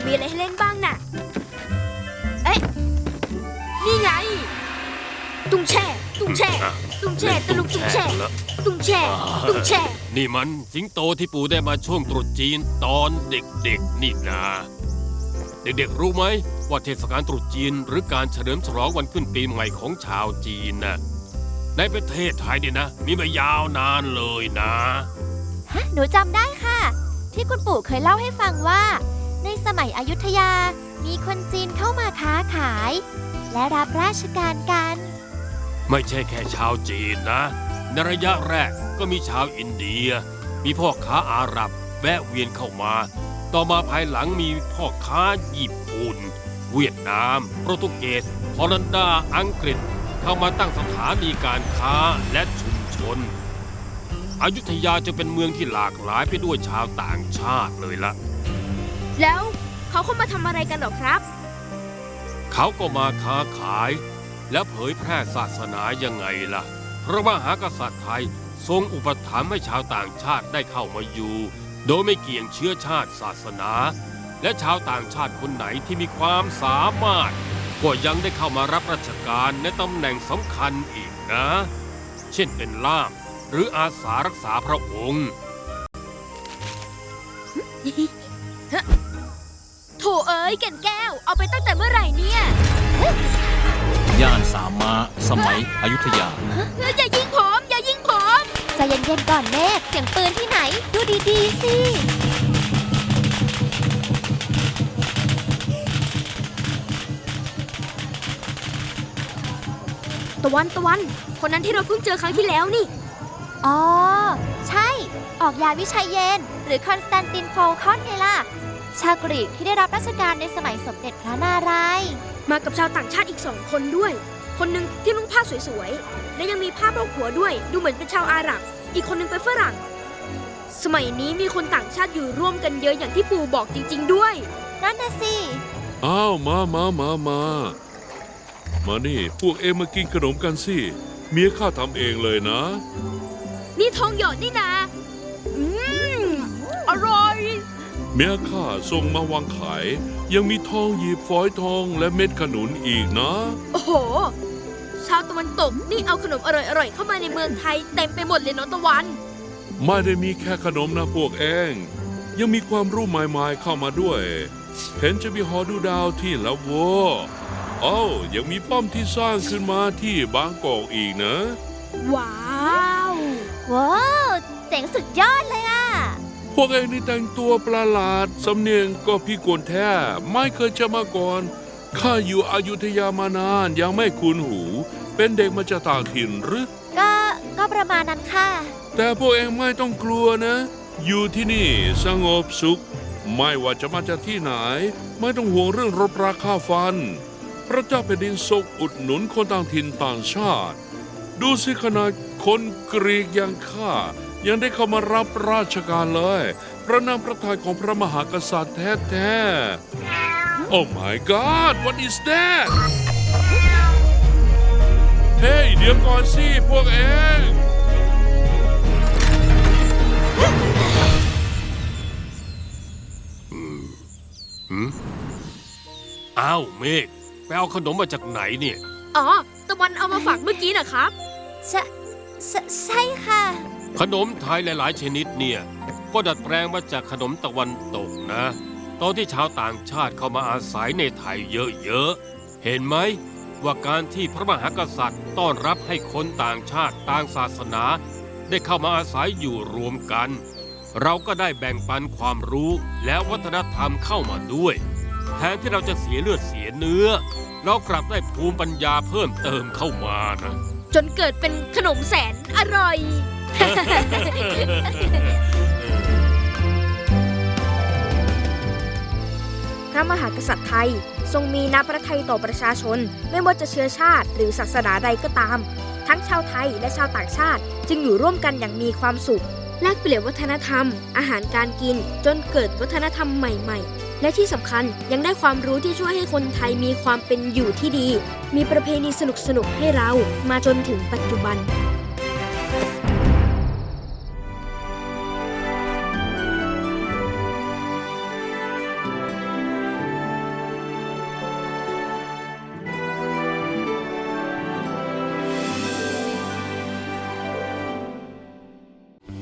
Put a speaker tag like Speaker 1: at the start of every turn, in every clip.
Speaker 1: มีอะไรให้เล่นบ้างน่ะเอ๊ะนี่ไงตุ้งแช่ตุ้งแช่ตุ้งแช่ตะลุกตุ้งแช่ตุ้งแช่ตุ้งแช่
Speaker 2: นี่มันสิงโตที่ปู่ได้มาช่วงตรุษจีนตอนเด็กๆนี่นะเด็กๆรู้ไหมว่าเทศกาลตรุษจีนหรือการเฉลิมฉลองวันขึ้นปีใหม่ของชาวจีนน่ะในประเทศไทยเนี่ยนะมีมายาวนานเลยนะ
Speaker 3: หนูจำได้ค่ะที่คุณปู่เคยเล่าให้ฟังว่าในสมัยอยุธยามีคนจีนเข้ามาค้าขายและรับราชการกัน
Speaker 2: ไม่ใช่แค่ชาวจีนนะในระยะแรกก็มีชาวอินเดียมีพ่อค้าอาหรับแวะเวียนเข้ามาต่อมาภายหลังมีพ่อค้าญี่ปุ่นเวียดนามโปรตุเกสฮอลันดาอังกฤษเข้ามาตั้งสถานีการค้าและชุมชนอยุธยาจะเป็นเมืองที่หลากหลายไปด้วยชาวต่างชาติเลยละ
Speaker 1: แล้วเขาเข้ามาทำอะไรกันหรอครับ
Speaker 2: เขาก็มาค้าขายและเผยแพร่ศาสนายังไงล่ะเพราะว่ามหากษัตริย์ไทยทรงอุปถัมภ์ให้ชาวต่างชาติได้เข้ามาอยู่โดยไม่เกี่ยงเชื้อชาติศาสนาและชาวต่างชาติคนไหนที่มีความสามารถก็ยังได้เข้ามารับราชการในตำแหน่งสำคัญอีกนะเช่นเป็นล่ามหรืออาสารักษาพระองค์
Speaker 1: โถเอ๋ยแก่นแก้วเอาไปตั้งแต่เมื่อไหร่เนี่ย
Speaker 4: ย่านสามม้าสมัยอยุธยา
Speaker 1: อย่ายิงผมอย่ายิงผม
Speaker 3: ใจเย็นๆก่อนเมฆเสียงปืนที่ไหนดูดีๆสิ
Speaker 1: ตะวันคนนั้นที่เราเพิ่งเจอครั้งที่แล้วนี่
Speaker 3: อ๋อใช่ออกยาวิชัยเยนหรือคอนสแตนตินโฟลคอนไงล่ะชาวกรีกที่ได้รับราชการในสมัยสมเด็จพระนารายณ์
Speaker 1: มากับชาวต่างชาติอีก2 คนด้วยคนหนึ่งที่นุ่งผ้าสวยๆและยังมีผ้าโพกหัวด้วยดูเหมือนเป็นชาวอาหรับอีกคนหนึ่งเป็นฝรั่งสมัยนี้มีคนต่างชาติอยู่ร่วมกันเยอะอย่างที่ปู่บอกจริงๆด้วย
Speaker 3: นั่นน่ะสิ
Speaker 5: อ้าวมานี่พวกเอ็มมากินขนมกันสิเมียข้าทำเองเลยนะ
Speaker 1: นี่ทองหยอดนี่นะอร่อย
Speaker 5: เมียข้าส่งมาวางขายยังมีทองหยิบฝอยทองและเม็ดขนุนอีกนะ
Speaker 1: โอ้โหชาวตะวันตกนี่เอาขนมอร่อยๆเข้ามาในเมืองไทยเต็มไปหมดเลยเนาะตะวัน
Speaker 5: ไม่ได้มีแค่ขนมนะพวกเองยังมีความรู้ใหม่ๆเข้ามาด้วยเห็นจะมีหอดูดาวที่ละวัวยังมีป้อมที่สร้างขึ้นมาที่บางกอกอีกนะ
Speaker 1: ว้าว
Speaker 3: เจ๋งสุดยอดเลยอ่ะ
Speaker 5: พวกเองนี่แต่งตัวประหลาดสำเนียงก็พิกลแท้ไม่เคยจะมาก่อนข้าอยู่อยุธยามานานยังไม่คุ้นหูเป็นเด็กมาจากต่างถิ่นหรือ
Speaker 3: ก็ประมาณนั้นค่ะ
Speaker 5: แต่พวกเองไม่ต้องกลัวนะอยู่ที่นี่สงบสุขไม่ว่าจะมาจากที่ไหนไม่ต้องห่วงเรื่องรบราค่าฟันพระเจ้าแผ่นดินทรงอุดหนุนคนต่างถิ่นต่างชาติดูสิขนาดคนกรีกอย่างข้ายังได้เข้ามารับราชการเลยพระนามพระทัยของพระมหากษัตริย์แท้ๆ Oh my God what is that เฮ้ยเดี๋ยวก่อนสิพวกเอง
Speaker 2: อ้าวเมฆไปเอาขนมมาจากไหนเนี่ย
Speaker 1: อ๋อตะวันเอามาฝากเมื่อกี้นะครับ
Speaker 3: ใช่ค่ะ
Speaker 2: ขนมไทยหลายๆชนิดเนี่ยก็ดัดแปลงมาจากขนมตะวันตกนะตอนที่ชาวต่างชาติเข้ามาอาศัยในไทยเยอะๆเห็นไหมว่าการที่พระมหากษัตริย์ต้อนรับให้คนต่างชาติต่างศาสนาได้เข้ามาอาศัยอยู่รวมกันเราก็ได้แบ่งปันความรู้และวัฒนธรรมเข้ามาด้วยแทนที่เราจะเสียเลือดเสียเนื้อเรากลับได้ภูมิปัญญาเพิ่มเติมเข้ามานะ
Speaker 1: จนเกิดเป็นขนมแสนอร่อยพระมหากษัตริย์ไทยทรงมีน้ำพระทัยต่อประชาชนไม่ว่าจะเชื้อชาติหรือศาสนาใดก็ตามทั้งชาวไทยและชาวต่างชาติจึงอยู่ร่วมกันอย่างมีความสุขแลกเปลี่ยนวัฒนธรรมอาหารการกินจนเกิดวัฒนธรรมใหม่ๆและที่สำคัญยังได้ความรู้ที่ช่วยให้คนไทยมีความเป็นอยู่ที่ดีมีประเพณีสนุกๆให้เรามาจนถึงปัจจุบัน
Speaker 3: พ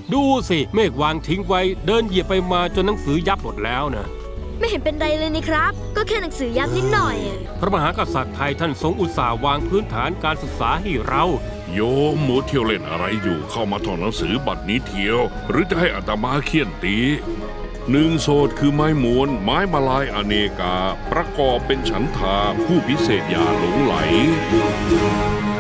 Speaker 2: ดูสิเมฆวางทิ้งไว้เดินเหยียบไปมาจนหนังสือยับหมดแล้วนะ
Speaker 1: ไม่เห็นเป็นไรเลยนี่ครับ ก็แค่หนังสือยับนิดหน่อย
Speaker 2: พระมหากษัตริย์ไทยท่านทรงอุตส่าห์วางพื้นฐานการศึกษาให้เรา
Speaker 5: โยมหมูเที่ยวเล่นอะไรอยู่เข้ามาท่องหนังสือบัดนี้เที่ยว หรือจะให้อาตมาเคี่ยนตีหนึ่งโสดคือไม้มวนไม้มาลายอเนกา ประกอบเป็นฉันทาผู้พิเศษอย่าหลงไหล